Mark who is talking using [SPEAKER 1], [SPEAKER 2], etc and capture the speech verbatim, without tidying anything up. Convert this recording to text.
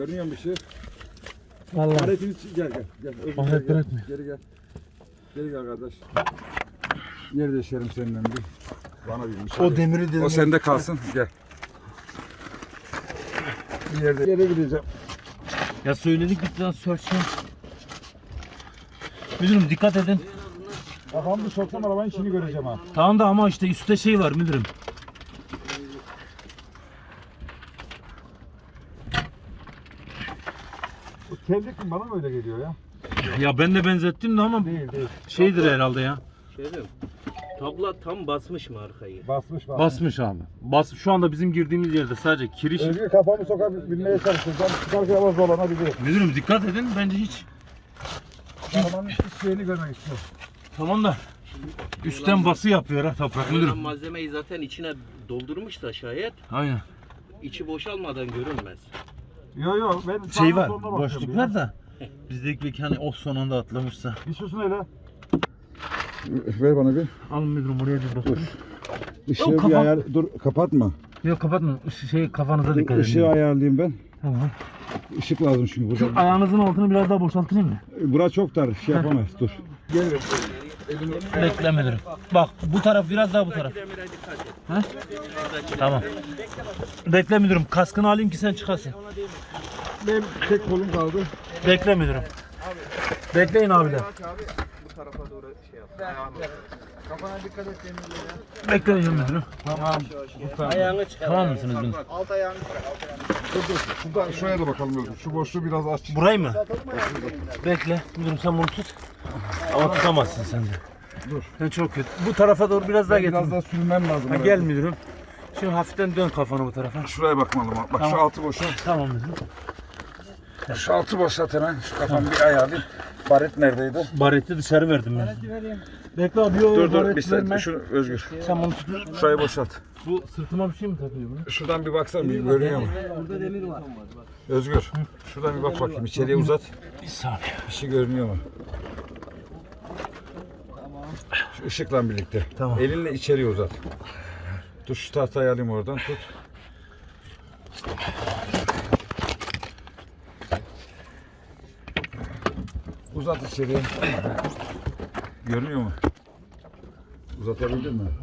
[SPEAKER 1] Görünüyor mu bir şey?
[SPEAKER 2] Vallahi.
[SPEAKER 1] Aletini gel gel. Gel. Özür
[SPEAKER 2] Alet
[SPEAKER 1] gel, gel.
[SPEAKER 2] bırakmıyor.
[SPEAKER 1] Geri gel. Geri gel kardeş. Yer değişelim seninle bir. Bana bir müsaade.
[SPEAKER 2] O demiri demiri.
[SPEAKER 1] O sende kalsın. Gel. Bir yerde yere gideceğim.
[SPEAKER 2] Ya söyledik bir sörçe. Müdürüm dikkat edin.
[SPEAKER 1] Kafamı soksam arabanın içini göreceğim ha.
[SPEAKER 2] Tamam da ama işte üstte şey var müdürüm.
[SPEAKER 1] Bu tevlik mi? Bana mı öyle geliyor ya?
[SPEAKER 2] Ya ben de benzettim de ama
[SPEAKER 1] Değil değil.
[SPEAKER 2] şeydir herhalde ya.
[SPEAKER 3] Şey diyeyim, tabla tam basmış mı arkayı?
[SPEAKER 1] Basmış basmış.
[SPEAKER 2] Basmış abi. Bas şu anda bizim girdiğimiz yerde sadece kiriş.
[SPEAKER 1] Özgür kafamı sokabilmeye çalışacağım. Çıkarken ama zorlanabilirim.
[SPEAKER 2] Müdürüm dikkat edin bence hiç.
[SPEAKER 1] Arabanın hiç şeyini görmek istiyorum.
[SPEAKER 2] Tamam da üstten bası yapıyor ha toprak
[SPEAKER 3] Müdürüm
[SPEAKER 2] müdürüm.
[SPEAKER 3] malzemeyi zaten içine doldurmuş da şayet
[SPEAKER 2] Aynen.
[SPEAKER 3] içi boşalmadan görünmez.
[SPEAKER 1] Yok yok ben
[SPEAKER 2] Şey var,
[SPEAKER 1] soluna bakıyorum
[SPEAKER 2] boşluklar
[SPEAKER 1] ya.
[SPEAKER 2] da bizdeki bir hani o son anda atlamışsa.
[SPEAKER 1] Bir susun öyle. Ver bana bir.
[SPEAKER 2] Alın müdürüm oraya bir bakın.
[SPEAKER 1] Işığı
[SPEAKER 2] Yok,
[SPEAKER 1] bir
[SPEAKER 2] kafam-
[SPEAKER 1] ayar... Dur kapatma.
[SPEAKER 2] Yok kapatma. Işı- Şey kafanıza dikkat edin.
[SPEAKER 1] Işığı ayarlayayım ben.
[SPEAKER 2] Tamam.
[SPEAKER 1] Işık lazım çünkü
[SPEAKER 2] Şu
[SPEAKER 1] burada.
[SPEAKER 2] ayağınızın altını biraz daha boşaltayım mı?
[SPEAKER 1] Bura çok dar. Şey yapamayız. Dur. Gel.
[SPEAKER 2] Bekle müdürüm. Bak bu taraf biraz daha bu taraf.
[SPEAKER 3] Demire dikkat et.
[SPEAKER 2] Ha? Tamam. Bekle müdürüm. Kaskını alayım ki sen çıkasın.
[SPEAKER 1] Benim tek kolum kaldı.
[SPEAKER 2] Bekle müdürüm. Bekleyin abiler.
[SPEAKER 3] Bu tarafa doğru şey yap.
[SPEAKER 1] Kafana dikkat et demirlere.
[SPEAKER 2] Bekleyin müdürüm.
[SPEAKER 1] Tamam.
[SPEAKER 3] Ayağını çıkar.
[SPEAKER 2] Tamam mısınız müdürüm?
[SPEAKER 3] Alt ayağını çıkar. Alt ayağını çıkar.
[SPEAKER 1] Dur dur. Şurada, şuraya da bakalım Özgür. Şu boşluğu biraz aç.
[SPEAKER 2] Burayı mı? Bekle. Müdürüm sen bunu tut. Ama tutamazsın sen de.
[SPEAKER 1] Dur.
[SPEAKER 2] Sen çok kötü. Bu tarafa doğru biraz daha getir.
[SPEAKER 1] Biraz daha sürmem lazım.
[SPEAKER 2] Ha, gel müdürüm. Şimdi hafiften dön kafanı bu tarafa.
[SPEAKER 1] Şuraya bakmalım. Bak
[SPEAKER 2] Tamam.
[SPEAKER 1] şu altı boşa.
[SPEAKER 2] Tamam müdürüm.
[SPEAKER 1] Şu altı boşalt hemen. Şu kafamı bir ayarlayayım. Baret neredeydi?
[SPEAKER 2] Bareti dışarı verdim ben. Bekle abi. Yok,
[SPEAKER 1] Dur dur
[SPEAKER 2] baret
[SPEAKER 1] bir saniye.
[SPEAKER 2] verme.
[SPEAKER 1] Şunu Özgür.
[SPEAKER 2] Sen bunu tut.
[SPEAKER 1] Şurayı boşalt.
[SPEAKER 2] Bu sırtıma bir şey mi takıyor bunu?
[SPEAKER 1] Şuradan bir baksana bir görünüyor mu?
[SPEAKER 3] Burada demir var.
[SPEAKER 1] Özgür. Şuradan bir bak bakayım. İçeriye uzat.
[SPEAKER 2] Bir saniye.
[SPEAKER 1] Bir şey görünüyor mu? Şu ışıkla birlikte.
[SPEAKER 2] Tamam.
[SPEAKER 1] Elinle içeriye uzat. Dur şu tahtayı alayım oradan tut. Uzat içeriye. Görünüyor mu? Uzatabildin mi?